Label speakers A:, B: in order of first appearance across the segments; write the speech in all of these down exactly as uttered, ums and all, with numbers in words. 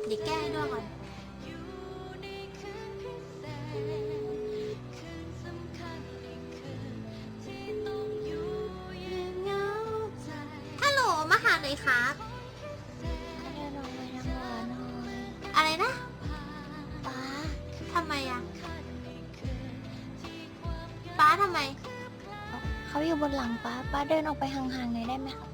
A: เดี๋ยวแก้ให้ด้วยก่อนฮัลโหลมาหาหน่อยครับอะไรนะป้าทำไมอะป้าทำไม
B: เขาอยู่บนหลังป้าป้าเดินออกไปห่างๆหน่อยได้ไหมครับ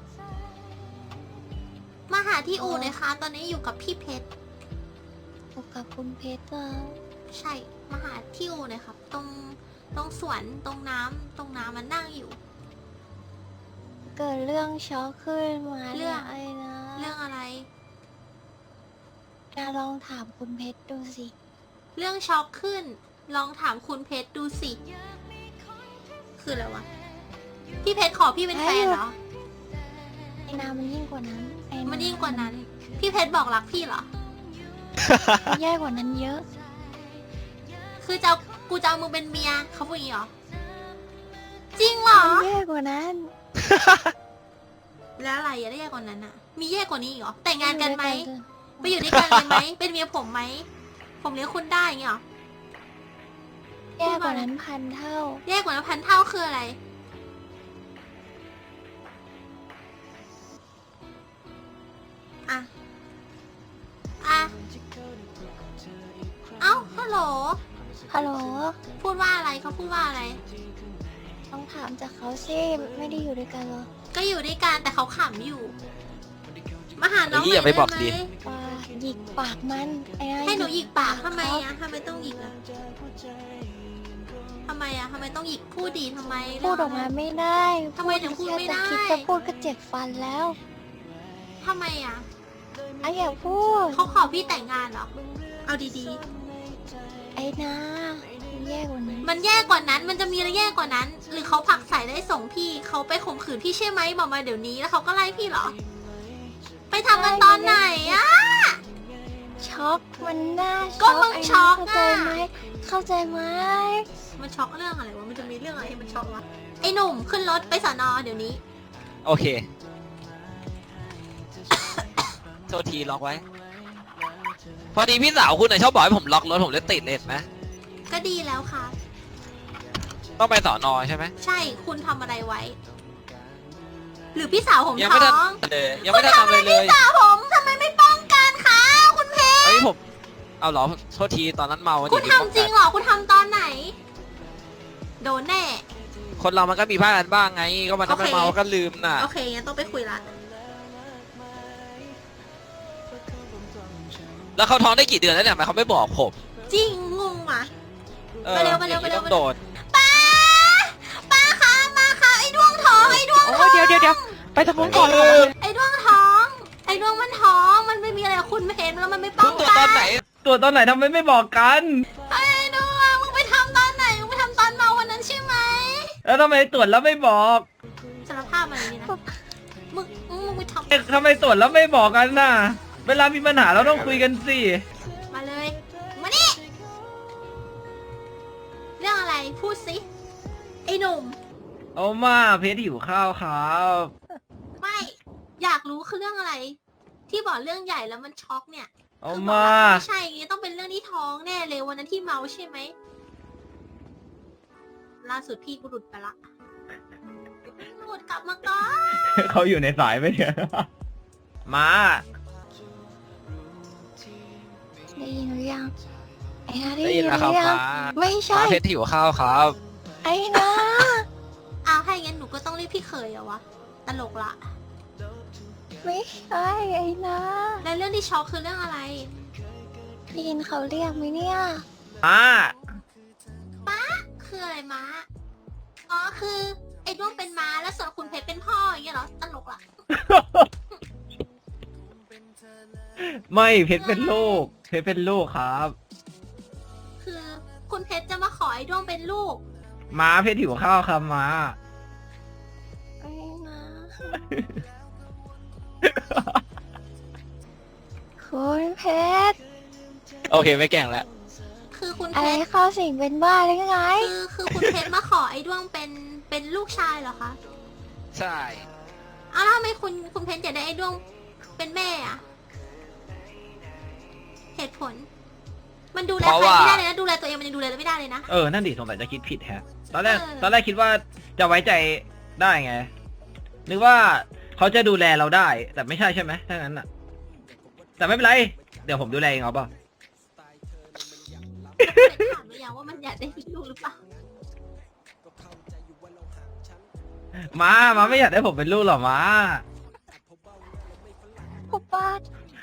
A: มาหาที่อู่เลยค่ะตอนนี้อยู่กับพี่เพชร
B: อยู่กับคุณเพชรเหรอ
A: ใช่มาหาที่อู่เลยครับตรงตรงสวนตรงน้ำตรงน้ำมันนั่งอยู่
B: เกิดเรื่องช็อกขึ้นมา
A: เรื่อง
B: อะไรนะ
A: เรื่องอะไร
B: จะลองถามคุณเพชรดูสิ
A: เรื่องช็อกขึ้นลองถามคุณเพชรดูสิคืออะไรวะพี่เพชรขอพี่เป็นแฟนเหรอ
B: ไอ้นามันยิ่งกว่านั้นไอ้
A: มันยิ่งกว่านั้นพี่เพชรบอกรักพี่เหรอ
B: แย่กว่านั้นเยอะ
A: คือจะกูจะเอามึงเป็นเมียเขาพูดอย่างนี้เหรอจริงเหรอ
B: แย่กว่านั้น
A: แล้วอะไรอะได้แย่กว่านั้นอะมีแย่กว่านี้อีกเหรอแต่งงานกันไหมไปอยู่ด้วยกันเลยไหมเป็นเมียผมไหมผมเลี้ยงคุณได้อย่างเงี้ยหรอ
B: แย่กว่านั้นพันเท่า
A: แย่กว่านั้นพันเท่าคืออะไรอะอะเอ้าฮัลโหล
B: ฮัลโหล
A: พูดว่าอะไรเขาพูดว่าอะไร
B: ต้องถามจากเขาสิไม่ได้อยู่ด้วยกันหรอ
A: ก็อยู่ด้วยกันแต่เขาขำอยู่มาหาน้องหน่
C: อยได้ไหม
B: หยิกปากมัน
A: ให้หนูหยิกปากทำไมอะทำไมต้องหยิกอะทำไมอะทำไมต้องหยิกพูดดีทำไม
B: พูดออกมาไม่ได้
A: ทำไมถึงพูดไม่ได้
B: คิดจะพูดก็เจ็บฟันแล้ว
A: ทำไมอะ
B: ไอ้อย่าพูด
A: เขาขอพี่แต่งงานเหรอเอาดี
B: ๆไอ้นาแย่กว่านั้น
A: มันแย่กว่านั้นมันจะมีอะไรแย่กว่านั้นหรือเขาผลักใส่ได้ส่งพี่เขาไปข่มขืนพี่ใช่ไหมบอกมาเดี๋ยวนี้แล้วเขาก็ไล่พี่เหรอไปทำกันตอนไหนอะ
B: ช็อกมันน่า
A: ก็มึงช็อกอะ
B: เข้าใจไหมเข้าใจไหม
A: มันช็อกเรื่องอะไรวะมันจะมีเรื่องอะไรให้มันช็อกวะไอ้หนุ่มขึ้นรถไปสอนอเดี๋ยวนี้
C: โอเคโทษทีล็อกไว้พอดีพี่สาวคุณน่ะชอบบอกให้ผมล็อกรถผมเลยติดเลยไหม
A: ก็ดีแล้วค่ะ
C: ต้องไปสอนอใช่ไหม
A: ใช่คุณทำอะไรไว้หรือพี่สาวผม
C: ยังไม่
A: ท้อง
C: เลยยังไม่ได้ทำอะไรเลย
A: พี่สาวผมทำไมไม่ป้องกันคะคุณเพชร
C: เฮ้ยผมเอาเหรอโทษทีตอนนั้นเมา
A: คุณทำจริงเหรอคุณทำตอนไหนโดนแน่
C: คนเรามันก็มีพลาดกันบ้างไงก็มันถ้าไม่เมาก็ลืมน่ะ
A: โอเคงั้นต้องไปคุยละ
C: แล้วเขาท้องได้กี่เดือนแล้วเนี่ยทำไมเขาไม่บอกผม
A: จริงงงว่ะ
C: มาเร็วมาเร็วมาเร็วโดด
A: ป้าป้าคะมาค่ะไอ้ดวงท้องไอ้ดวงท้อง
C: เดี๋ยวเดี๋ยวเดี๋ยวไปทางนู้นก่อน
A: ไอ้ดวงท้องไอ้ดวงมันท้องมันไม่มีอะไรคุณไม่เห็นแล้วมันไม่ป้องกัน
C: ตัวตอนไหนตัวตอนไหนทำไมไม่บอกกัน
A: ไอ้ดวงมึงไปทำตอนไหนมึงไปทำตอนเมาวันนั้นใช่ไหม
C: แล้วทำไมตรวจแล้วไม่บอก
A: สารภาพมาอย่างนี้นะมึงมึงไปทำ
C: ทำไมตรวจแล้วไม่บอกกันน่ะเวลามีปัญหาเราต้องคุยกันสิ
A: มาเลยมานี่เรื่องอะไรพูดสิไอ้หนุ่ม
C: เอามาเพชรหิวข้าวครับ
A: ไม่อยากรู้คือเรื่องอะไรที่บอกเรื่องใหญ่แล้วมันช็อกเนี่ย
C: เอามา
A: ไม่ใช่ไงต้องเป็นเรื่องที่ท้องแน่เลยวันนั้นที่เมาใช่ไหมล่าสุดพี่กูหลุดไปละหลุดกลับมาก่อน
C: เขาอยู่ในสายไหมเนี่ยมา
B: ได้ยินหรือยังไอ้นาได้ยินหรือยังไม่ใช่
C: เพชรหิวข้าวครับ
B: ไอ้นา
A: เอาให้งั้นหนูก็ต้องเรียกพี่เคยอะวะตลกละ
B: ไม่ใช่ไอ้นา
A: แล้วเรื่องที่ช็อกคือเรื่องอะไร
B: ได้ยินเขาเรียกไหมเนี่ย
C: ป้า
A: ป้าคืออะไรม้าอ๋อคือไอ้ด้วงเป็นม้าแล้วส่วนคุณเพชรเป็นพ่ออย่างเงี้ยเหรอตลกละ
C: ไม่เพชรเป็นลูกเพชรเป็นลูกครับ
A: คือคุณเพชรจะมาขอไอ้ด้วงเป็นลูก
C: ม้าเพชรหิวข้าวครับม้า
B: ไอ้ม้าคุณเพชร
C: โอเคไม่แกล้งแล้ว
A: คือคุณเพ
B: ชรเข้าสิงเป็นบ้าหรือไง
A: คือคือคุณเพชรมาขอไอ้ด้วงเป็นเป็นลูกชายเหรอคะ
C: ใช่
A: อ้าวทำไมคุณคุณเพชรจะได้ไอ้ด้วงเป็นแม่อะเหตุผล มันดูแล
C: เพราะ
A: ใคร
C: ว่า
A: ไม่ได้เลยนะดูแลตัวเองมันยังดูแลไม่ได้เลยนะ
D: เออ นั่นดิสงสัยจะคิดผิดแฮะ ตอนแรก
A: เออ
D: ตอนแรกคิดว่าจะไว้ใจได้ไง นึกว่าเขาจะดูแลเราได้ แต่ไม่ใช่ใช่ไหมถ้างั้นอ่ะ แต่ไม่เป็นไร เดี๋ยวผมดูแลเองเอาเปล่า
A: ถามหรือยังว่ามันอยากได้ลูกหรือเปล่า
D: มา มาไม่อยากได้ผมเป็นลูกหรอมา
B: ปุ๊บป้า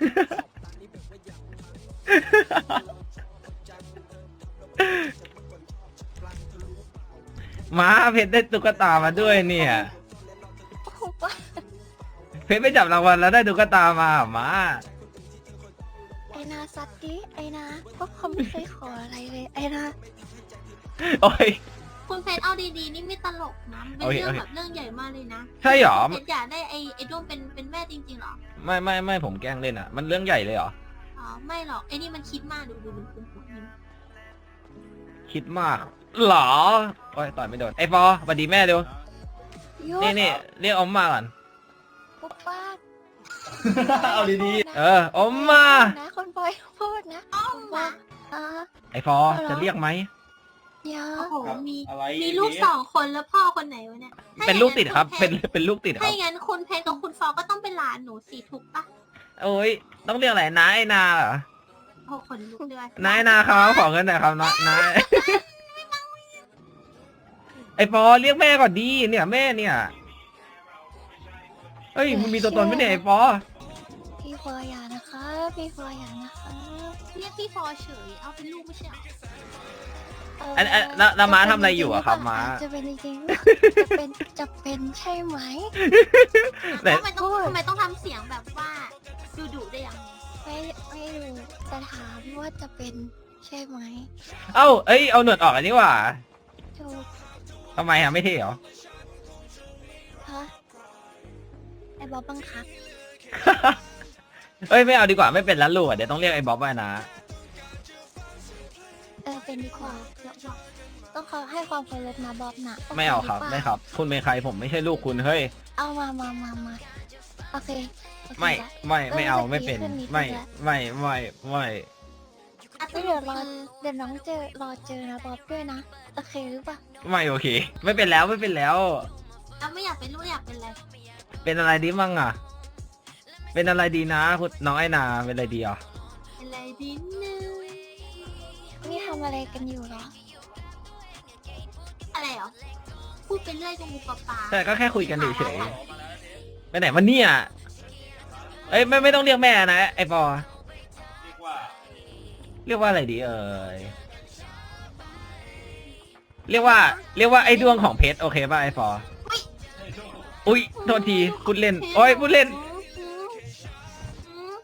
D: มาเพชรได้ตุ๊กตามาด้วยเนี่ย
B: ปุ๊บป้า
D: เพชรไปจับรางวัลแล้วได้ตุ๊กตามามา
B: ไอนาสัตว์ดิไอนาก็เขาไม่เคยขออะไรเลยไอนา
D: โอ้ย
A: คุณเพชรเอาดีๆนี่ไม่ตลกนะมันเป็น
D: โอเค
A: เรื่อง
D: โอเค
A: แบบเรื่องใหญ่มากเลยนะ
D: ใช่หรอ
A: เพชรอยากได้ไอ้ไอ้ด้วงเป็นเป็นแม่จริงๆเหรอ
D: ไม่ไม่ไม่ผมแกล้งเล่นอ่ะ มันเรื่องใหญ่เลยเหรอ
A: อ๋อไม่หรอกไอ้นี่มันคิดมากดูดูดูดูดู
D: คิดมากเหรอ โอ้ยต่อยไม่โดน ไอ้ปอสวัสดีแม่เร็ว
B: ยุ
D: นี่นี่เรียกอมมาก่อน
B: ปุ๊บป้า
E: เอาดี
D: เอออมมา
B: นะคนบอยพูดนะ
A: อ้อมมา
B: อ่า
D: ไอ้ฟอจะเรียกไหม
B: เดี๋ยว
A: โอ้โหมี
E: ๆอะไร
A: มีลูกสองคนแล้วพ่อคนไหนวะเนี่ย
D: เป็นลูกติดครับ
A: เป็
D: เป็น นเป็นลูกติดค
A: ถ้า
D: รับ
A: อย่างนั้นคุณเพชรกับคุณฟอก็ต้องเป็นหลานหนูสิถูกปะ
D: โอ้ยต้องเรียกอะไรน้าไอ้นาเหรอ
A: โอ้คนลุกด้วย
D: น้าไอ้นาครับขอเงินหน่อยครับน้าน้าไอ้ฟอเรียกแม่ก่อนดีเนี่ยแม่เนี่ยเฮ้ยมึงมีตัวตนไหมเนี่ยไอ้ฟอ
B: พี่ฟออย่านะคะพี่ฟออย่านะคะ
A: เรียกพี่ฟอเฉยเอาเป็นลูกไม่ใช่เหรอ
B: เ
D: อันอันแล้วแล้วม้าทำอะไรอยู่อะครับม้า
B: จะเป็นจริงๆจะเป็นจะเป็นใช่ไหม
D: ไหน
A: ทำไมต้องทำไมต้องทำเสียงแบบว่าดุดุๆได้วยอ่ะ
B: ไม่ไม่รู้จะถามว่าจะเป็นใช่ไหม
D: เอ้าเอ้ยเอาหนวดออกอันนี้ว่ะ
B: ถูก
D: ทำไมอะไม่เท่เหรอ
B: ฮะไอ้บอบบังคับ
D: เอ้ยไม่เอาดีกว่าไม่เป็นแล้วลูกอะเดี๋ยวต้องเรียกไอ้บ๊อบไปนะ
B: เออเป็นดีกว่าต้องเขาให้ความเคารพนะบอบนะโค
D: ไม่เอาครับ
B: หปล่
D: ไม่ครับ คุณเป็นใครผมไม่ใช่ลูกคุณเฮ้ย
B: เอามามามามาโอเคโอเค
D: ไม่
B: ละ
D: ไม่ไม่เอา
B: เออ
D: ไม่เป็น
B: จะดีขึ้นนิดนึง
D: ไม่
B: ละ
D: ไม่ไม่ไม่
A: อ่ะ
B: ไม่เดี๋ยวรอเดี๋ยวน้องเจอรอเจอนะบอบด้วยนะโอเคหรือเปล่า
D: ไม่โอเค ไม่เป็นแล้วไม่เป็นแล้ว
A: เราไม่อยากเป็นลูกอยากเป็นอะไร
D: เป็นอะไรดีมั่งอ่ะ เป็นอะไรดีนะคุณน้องไอ้นาเป็นอะไรดีอ่ะ
A: เป็นอะไรดีนึง
B: นี่ทำอะไรกันอยู่เหรอ
A: อะไรเหรอพูดไปเรื่อยจมูกปลาปลา
D: แต่ก็แค่คุยกันเฉยๆไปไหนวันนี้อ่ะเอ้ยไม่ไม่ต้องเรียกแม่นะไอ้ปอ
E: เรียกว่า
D: เรียกว่าอะไรดีเอ่ยเรียกว่า เรียกว่าไอ้ดวงของเพชรโอเคป่ะไอ้ปออุ้ยโทษทีพูดเล่นโอ้ยพูดเล่น
A: อืมอืม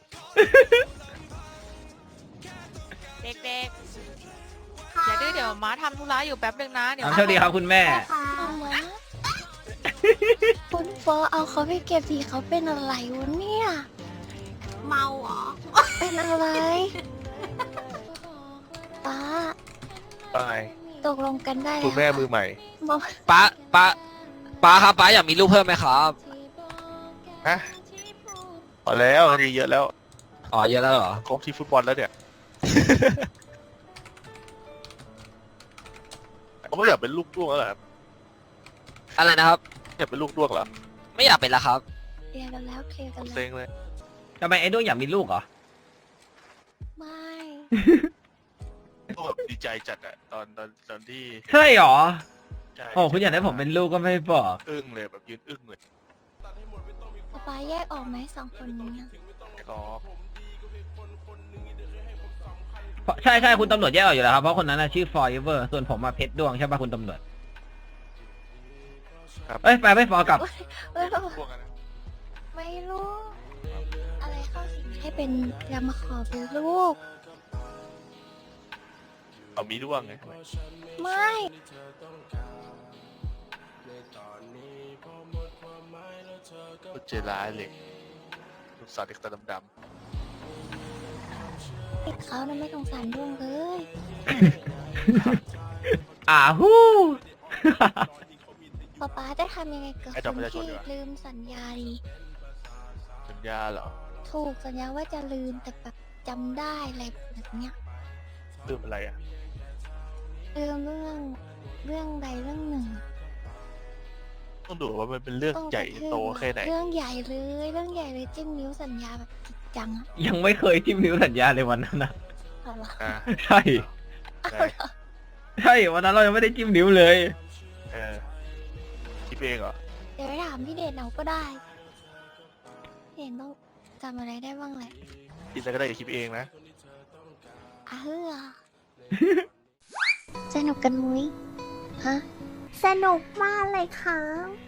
F: เด็ก
A: ค่ะ
F: ๆอย่าดื้อเดี๋ยวม้าทำธุระอยู่แป๊บนึงนะ เดี๋ยว
D: เอาโชคดีครับคุณแม่
A: ค่ะ
B: เอาวะคุณฟอเอาเขาไปเก็บทีเขาเป็นอะไรวะเนี่ย
A: เมาเหรอ
B: เป็นอะไรป้า
G: ไป
B: ตกลงกันได้แล้ว
G: คุณแม่มือใหม่
B: บอก
C: ป้าป้าป้าครับป้าอยากมีลูกเพิ่มไหมครับ
G: ฮะพอแล้วดีเยอะแล้ว
C: อ๋อเยอะแล้วเหรอ
G: ครบที่ฟุตบอลแล้วเนี่ยเขาไม่อยากเป็นลูกด้วงแล้วเหรอครับ
C: อะไรนะครับ
G: อยากเป็นลูกด้วงเหรอ
C: ไม่อยากเป็นแล้วครับ
B: เคลียร์กันแล้วเคลียร์กัน
G: เซ็
B: แล้ว
G: งเลย
D: ทำไมไอ้ดวงอยากมีลูกเหรอ
B: ไม่
G: ก็แบบดีใจจัดอะตอนตอนตอนที่
D: ใช่เหรอ
G: ใช่
D: โอ้คุณอยากได้ผมเป็นลูกก็ไม่บอก
G: อึ้งเลยแบบยืนอึ้งเลย
B: ป้าแยกออกไหมสองคนนี้อะ
G: ก็
D: เพราะใช่ใช่คุณตำรวจแยกออกอยู่แล้วครับเพราะคนนั้นน่ะชื่อ forever ส่วนผมมาเพชรดวงใช่ป่ะคุณตำรวจ
G: ครับ
D: เอ้ยไปไปฟอกลับ
B: เอ้ย
G: พวกนั้นนะ
B: ไม่รู้ อะไรเข้าสิงให้เป็นยามาขอเป็นลูก
G: เอามีด้วงไง
B: ไม่
G: ก็เจร้ายเลยลูกสาวเด็กตาดำ
B: ติดเขานะไม่สงสารดวงเลย
D: อ่าฮู้
B: ป๊าป๊าจะทำยังไงกับคนที่ลืมสัญญาดี
G: ๆสัญญาเหรอ
B: ถูกสัญญาว่าจะลืมแต่แบบจำได้อะไรแบบเนี้ย
G: ลืมอะไรอ่ะ
B: เออเรื่องเรื่องใดเรื่องหนึ่ง
G: ต้องดูว่ามันเป็นเรื่อง
B: ต้อง
G: ใหญ่
B: กระทืบ
G: โตแค่ไหน
B: เรื่องใหญ่เลยเรื่องใหญ่เลยจิ้มนิ้วสัญญาแบบจริงจังอะ
D: ยังไม่เคยจิ้มนิ้วสัญญาเลยวันนั้นนะ
B: เอาเหรอ
G: อ่า
D: ใช่
G: ไง
D: ใช่วันนั้นเรายังไม่ได้จิ้มนิ้วเลย
G: เออคิดเองเหรอ
B: เดี๋ยวไปถามพี่เดชเอาก็ได้พี่เดชต้องจำอะไรได้บ้างแหละ
G: คิดอะไรก็ได้อย่าคิดเองนะ
B: อ่ะเฮ้อ สนุกกันมุ้ยฮะ
H: สนุกมากเลยครับ